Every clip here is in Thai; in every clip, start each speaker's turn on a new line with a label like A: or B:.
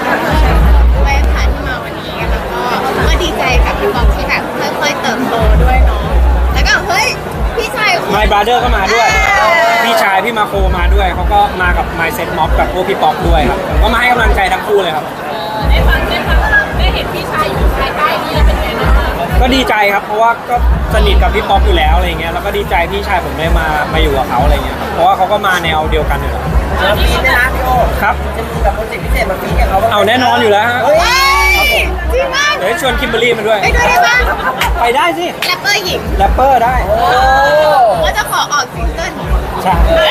A: ด้วยค่ะที่มาวันนี้แล้วก็ดีใจกับพี่บอมที่แบบค่อยๆเติบโตด้วยเนาะแล้วก็เฮ้ยพี่ชาย
B: My Brother ก็มาด้วยพี่ชายพี่มาโคมาด้วยเขาก็มากับ My Set Mob กับพวกพี่ป๊อกด้วยครับผมก็มาให้กำลังใจทั้งคู่เลยครับ
C: ได้เห็นพี่ชายอยู่ภายใต้นี้แล้วเป็นไงบ้าง
B: ก็ดีใจครับเพราะว่าก็สนิทกับพี่ป๊อกอยู่แล้วอะไรเงี้ยแล้วก็ดีใจพี่ชายผมได้มาอยู่กับเขาอะไรเงี้ยครับเพราะว่าเขาก็มาแนวเดียวกันอยู่แล้ว
D: แล้วฟีดนะพี่โอ
B: ครับ
D: จะมีแบบโปรเจกต์พิเศษมาฟีดกับเขาบ้าง
B: เอาแน่นอนอยู่แล้วฮะ
A: จริงมาก
B: เดี๋ยวชวนคิมเบอรรี่มาด้วย
A: ไปด้วยได้ปะ
B: ไปได้สิ
A: แรปเปอร์หญิง
B: แรปเปอร์ได้
A: ว่าจะขอออกซิงเกิล
B: ใช่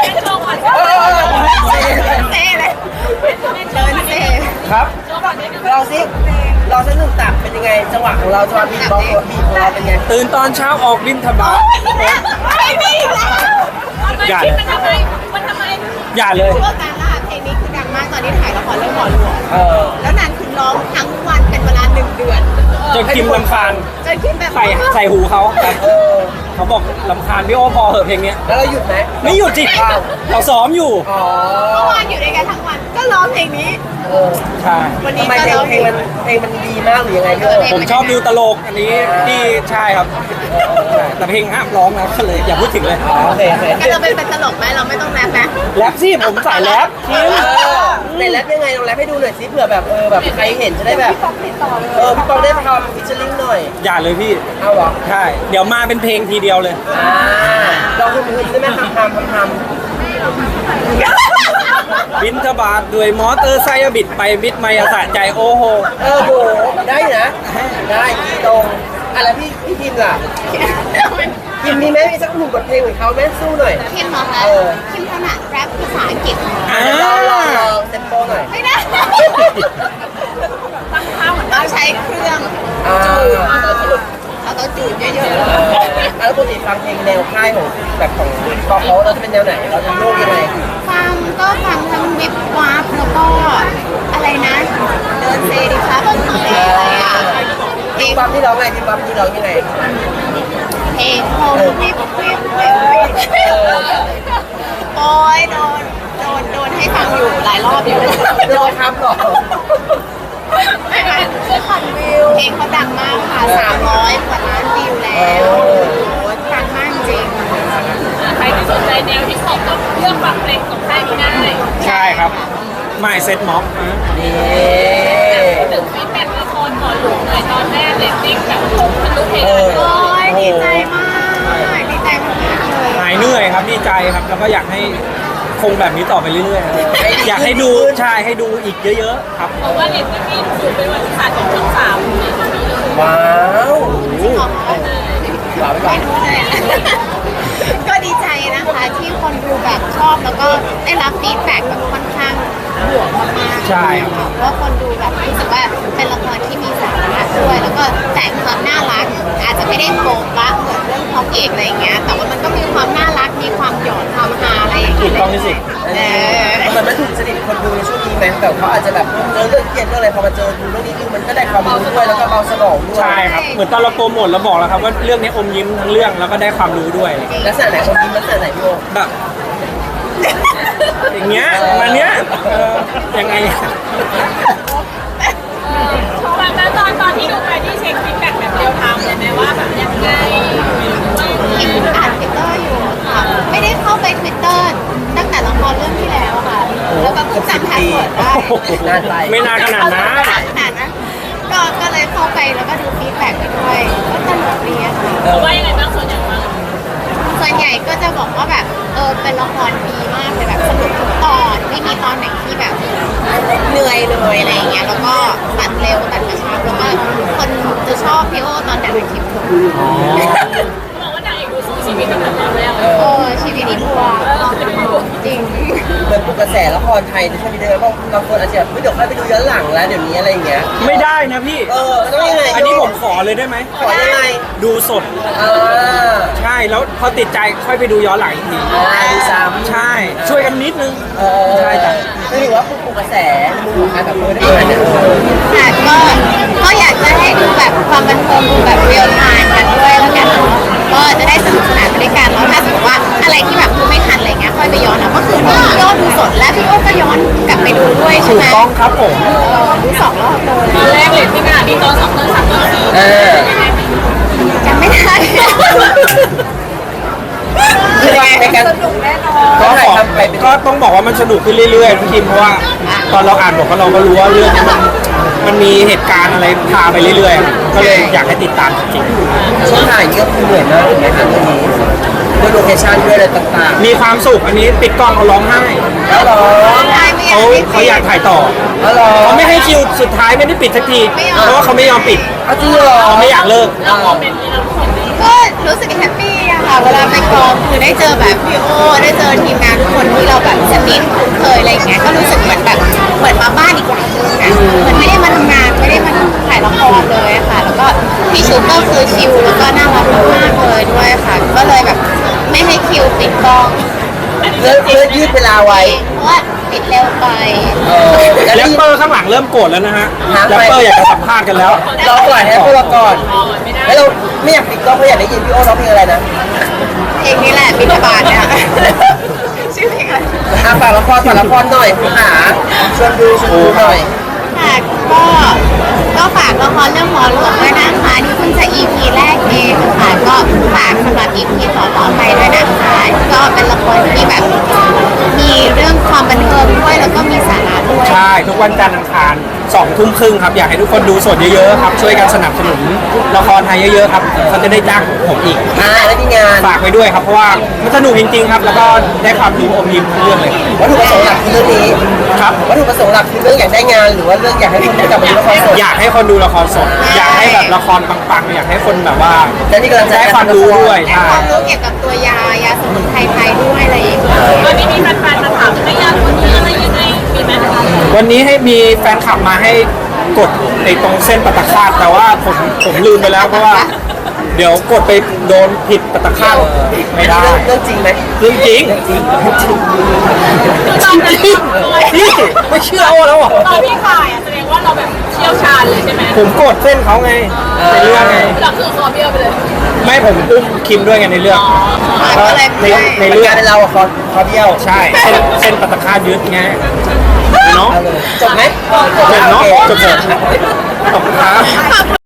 A: เซ่เลยเดินเซ่
B: ครับ
D: เราสิเราสักหนึ่งตับเป็นยังไงจังหวะของเราจังหวะบีบอลบีของเราเป็นไง
B: ตื่นตอนเช้าออกบินทบาท
A: ไม่มีแล้ว
B: อย่าเลย
C: มันทำไม
B: อย่าเลย
A: พวกการล่าเพลงนี้คือดังมากตอนที่ถ่ายละครเรื่องหมอหลวงแล้วนางคือร้องทั้งวันเป็นเวลา1 เดือน
B: จนคิมรำคาญ
A: จนคิมแบบ
B: ใส่หูเขาเขาบอกรำคาญพี่โอพอเหอะเพลงนี้
D: แล้วเราหยุดไหม
B: ไม่หยุดจิเราซ้อมอยู่
A: เมื่อวานอยู่ด้วยกันทั้งวันก็ร้องเพลงนี้
B: ใช่
A: วันนี้
D: ทำไมเพลงมันดีมากหรือยังไงพี่โอ
B: ผมชอบดูตลกอันนี้ที่ใช่ครับแต่เพลงห้ามร้องนะก็เลยอย่าพูดถึงเลย
D: โอเค
A: ก็เราเป็นตลกไหมเราไม่ต้องแรปนะ
B: แรปสิผมใส่แรป
D: แต่แรปยังไงลองแรปให้ดูหน่อยสิเผื่อแบบแบบใครเห็นจะได้แบบพี่ปองได้ทำฟิชเชอร์ลิงหน่อย
B: อย่าเลยพี่
D: เอาหรอ
B: ใช่เดี๋ยวมาเป็นเพลงทีเดียวเลย
D: เราคือได้ไหมทำ
B: บินทบาทด้วยมอเตอร์ไซค์บิดไปบิดมาสะใจโอ้โห
D: โหได้นะได้ตรงอะไรพี่พิมล่ะพิมมีไหมมีสักหนึ่งบทเพลงของเขาไหมสู้หน่อย
A: พิมเหรอคะพิมถนัดแรปภาษาอังกฤษ
D: ลองเต็มโตหน่อย
A: ไม่ได้เราใช้เครื่องจูดเอาตัวจูดเยอะๆ
D: แล้วปกติฟังเพลงแนวค่ายของแบบของเขาเราจะเป็นแนวไหนเราจะโลกยังไง
A: ฟังทั้งวิบวับแล้วก็อะไรนะเดินเซดิค่ะอะไรอ่ะ
D: เพลงปั๊มที่ร้องไงเพลงปั๊มที่ร้องยังไง
A: เพลงโฮมวิบโอ้ยโดนให้ฟังอยู่หลายรอบอยู่
D: โดนทำหรอ
A: เพลงเขาดังมากค่ะ300 กว่าล้านวิวแล้วดังมากจริง
C: ใครที่สนใจแนวที่ชอบก็เลือกฟังเพลงของค่ายนี้ได้
B: ใช่ครับไม่เซ็ตม็อบ
D: นี่
C: ถึงฟีดแบ็กละครหมอหลวงหน่อยตอนแรกเลยติ๊กแบบทะลุเพลง
A: โอ้ยดีใจมากดีใจมากเลย
B: หายเหนื่อยครับดีใจครับแล้วก็อยากให้คงแบบนี้ต่อไปเรื่อยๆอยากให้ดูใช่ให้ดูอีกเยอะๆครับ
C: เพราะว่าเรตติ้งสูงเป็นวันที่3ของช่อง3
D: ว้าว
A: ว้าวก็ดีใจนะคะที่คนดูแบบชอบแล้วก็ได้รับฟีดแบ็กแบบค่อนข้างบวกมากๆ
B: ใช่
A: เพราะคนดูแบบรู้สึกว่าเป็นละครที่มีสาระด้วยแล้วก็แต่งความน่ารักอาจจะไม่ได้โป๊ะปะเหมือนเรื่องทองเอกอะไรอย่างเงี้ยแต่ว่ามันก็มีความน่ารักมีความหยอดความฮาอะไรอย่างเงี้ย
B: ถูกต้องที่สิ
D: มันไม่ถูกจริตคนดูในช่วงนี้ไหมแต่เขาอาจจะแบบเรื่องเครียดเรื่องอะไรพอมาเจอดูเรื่องนี้คือมันก็ได้ความรู้ด้วยแล้วก็เบาสมองด้วย
B: ใช่ครับเหมือนตอนเราโปรโมทเราบอกแล้วครับว่าเรื่องนี้อมยิ้มทั้งเรื่องแล้วก็ได้ความรู้ด้วย
D: ลักษณะไหนอมยิ้มลักษณะไหนพี่โอ
B: แบบอย่างเงี้ยมาเนี้ยยังไง
C: ตอนที่ดูไปที่เช็คฟีดแบ็กแบบเรียลไทม์เลยไหมว่าแบบยังไง
A: คิมอ่าน Twitter อยู่ค่ะไม่ได้เข้าไป Twitter ตั้งแต่ละครเรื่องที่แล้วค่ะแล้วก็เพิ่งจำแพทเวิร์ดได้
B: ไม่นานขนาด
A: นั้นก็เลยเข้าไปแล้วก็ดูฟีดแบ็กไปด้วยก็ตลกดีค่ะ
C: ว่ายังไงบ้างส่วนใหญ่
A: ก็จะบอกว่าแบบเป็นละครดีมากเลยแบบสนุกทุกตอนไม่มีตอนไหนที่แบบเหนื่อยเลยอะไรอย่างเงี้ยแล้วก็ตัดเร็วตัดกระชับแล้วก็คนจะชอบพี่โอตอนแต่ละคลิป
C: บอกว่านางเอกดูสู้ชีวิตตั้งแต่ตอนแรก
A: ชีวิตนี้บัวจริง
D: เหมือนปลุกกระแสละครไทยในช่วงนี้เลยเพราะบางคนอาจจะแบบเดี๋ยวค่อยไปดูย้อนหลังแล้วเดี๋ยวนี้อะไรอย่างเงี้ย
B: ไม่ได้นะพี่
D: ต้องยังไง
B: อันนี้ผมขอเลยได้ไหม
D: ขอยังไง
B: ดูสดใช่แล้วพอติดใจค่อยไปดูย้อนหลังอีกที
D: ดูซ้ำ
B: ใช่ช่วยกันนิดนึง
D: ใช่จ้ะก็ถือว่าปลุกกระแสมุมของการแบบได้ไหม
A: ค่ะก็อยากจะให้ดูแบบความบันเทิงดูแบบเรียลไทม์กันด้วยแล้วกันเนาะก็จะได้สนุกสนานไปด้วยกันแล้วถ้าสมมติว่าอะไรที่แบบดูไม่ทันอะไรเงี้ยค่อยไปย้อนเอาก็คือพี่โอดูสดและพี่โอก็ย้อนกลับไปดูด้วยใช่ไหม
B: ถูกต้องครับผม
A: ดู2 รอบเลย
C: ตอนแรกเลยที่งานมีตอน2 ตอน 3 ตอน 4
D: เออ
A: จำไม่ได้
D: คือว่าในการ
C: สนุกแน่นอน
D: ก็
B: ก็
D: ถ่าย
B: บอก
D: ทำไปเป็น
B: ก็ต้องบอกว่ามันสนุกขึ้นเรื่อยๆพี่คิมเพราะว่าตอนเราอ่านบทเราก็รู้ว่าเรื่องนี้มันมีเหตุการณ์อะไรพาไปเรื่อยๆก็เลยอยากให้ติดตามจริง
D: ช่วงถ่ายนี่ก็คือเหนื่อยมากถูกไหมคะเรื่องนี้ด้วยโลเคชั่นด้วยอะไรต่าง
B: ๆมีความสุขอันนี้ปิดกล้องเขาร้องไห้
D: ๆแล้วเหรอ
A: ได้ไม่อยา
B: เขา
A: กให้
B: เขาอยากถ่ายต่อ
D: แล้วเหรอ
B: เขาไม่ให้คิวสุดท้ายไม่ได้ปิดสักทีเพราะว่าเขาไม่ยอมปิด
D: เอาจริงเหรอ
B: เขาไม่อยากเลิก
C: แล้วโมเมนต์นี้เราทุกคนนี้
A: ก็รู้สึกแฮปปี้อะค่ะเวลาไปกองคือได้เจอแบบพี่โอได้เจอทีมงานทุกคนที่เราแบบสนิทคุ้นเคยอะไรอย่างเงี้ยก็รู้สึกเหมือนแบบเหมือนมาบ้านอีกหลังนึงนะเหมือนไม่ได้มาทำงานไม่ได้มาถ่ายละครเลยอะค่ะ แล้วก็พี่ชุดก็คือชิลแล้วก็น่ารักมากๆเลยด้วยค่ะ ก็เลยแบบไม่ให้คิวติดกอง
D: เลิกยืดเวลาไว้
A: เพราะว่าติดเร็วไป
D: แล้ว
B: แรป
D: นี่
B: เปอร์ข้างหลังเริ่มโกรธแล้วนะฮะ
D: ฮะ
B: แรปเปอร์อยากจะสัมภาษณ์กันแล้ว
D: รอก่อนให้พวกเราก่อน
C: อ๋อไม่ได้
D: แล้วเราไม่อยากปิดกล้องเพราะอยากได้ยินพี่โอ้ร้องเพลงอะไรนะ
A: เพลงนี้แหละบิณฑบาตเนี่ยชื่อเพลงอะไร
D: ฝากละครหน่อยคุณหาชวนดูหน่อย
A: ค่ะก็ฝากละครเรื่องหมอหลวงด้วยนะคะนี่เพิ่งจะ EP แรกเองค่ะก็ฝากสำหรับ EP ต่อไปด้วยนะคะก็เป็นละครที่แบบมีเรื่องความบันเทิงด้วยแล้วก็มีสาระด้วย
B: ใช่ ทุกวันจันทร์อังคาร20:30ครับ อยากให้ทุกคนดูสดเยอะๆครับ ช่วยกันสนับสนุนละครไทยเยอะๆครับเขาจะได้จ้างผมอีก
D: แล้วมีงาน
B: ฝากไว้ด้วยครับ เพราะว่ามันสนุกจริงๆครับ แล้วก็ได้ความรู้อมยิ้มทั้งเรื่องเลย
D: วัตถุประสงค์หลักคือเรื่องนี้
B: ครับ
D: วัตถุประสงค์หลักคือเรื่องอยากได้งานหรือว่าเรื่องอยากให้คนได้กลับมาดูละครสด
B: อยากให้คนดูละครสด อยากให้แบบละครปังๆ อยากให้คนแบบว่า
D: และนี่กำลังจะ
B: ได้ความรู้ด้วย
A: ได้
B: ใช่
A: ความรู้เกี่ยวกับตัวยายาสมุนไพรไทยด้วยอะไรอย่างเงี้ย
C: วันนี้มีแฟนๆมาถามไม่ยากคนนี้อะไรยังไงมีไหม
B: วันนี้ให้มีแฟนคลับมาให้กดในตรงเส้นปตคาตแต่ว่าผมลืมไปแล้วเพราะว่า เดี๋ยวกดไปโดนผิดปตคาตไม่ได้
D: เรื่องจริงไหม
B: เรื่องจริง
C: ตอนนั้น
B: พี่ไม่เชื่อโอ้แล้วอ่ะ
C: ตอนพี่ขายอ่ะแสดงว่าเราแบบเชี่ยวชาญเลยใช่ไหม
B: ผมกดเส้นเขาไงในเรื่องไง
C: เราคือคอเบี้ยวไปเลย
B: ไม่ผมอุ้มคิมด้วยไงในเรื่อง
A: ก็เลย
B: ใน
D: ใน
B: เรื่
D: เรื่
B: อ
D: อง งเป็นเราอะคอเบี้ยว
B: ใช่เส้นปตคาตยึดไงเนาะ
D: จบไหม
B: จบเนาะ
D: โอเค
B: จบขอบคุณครับ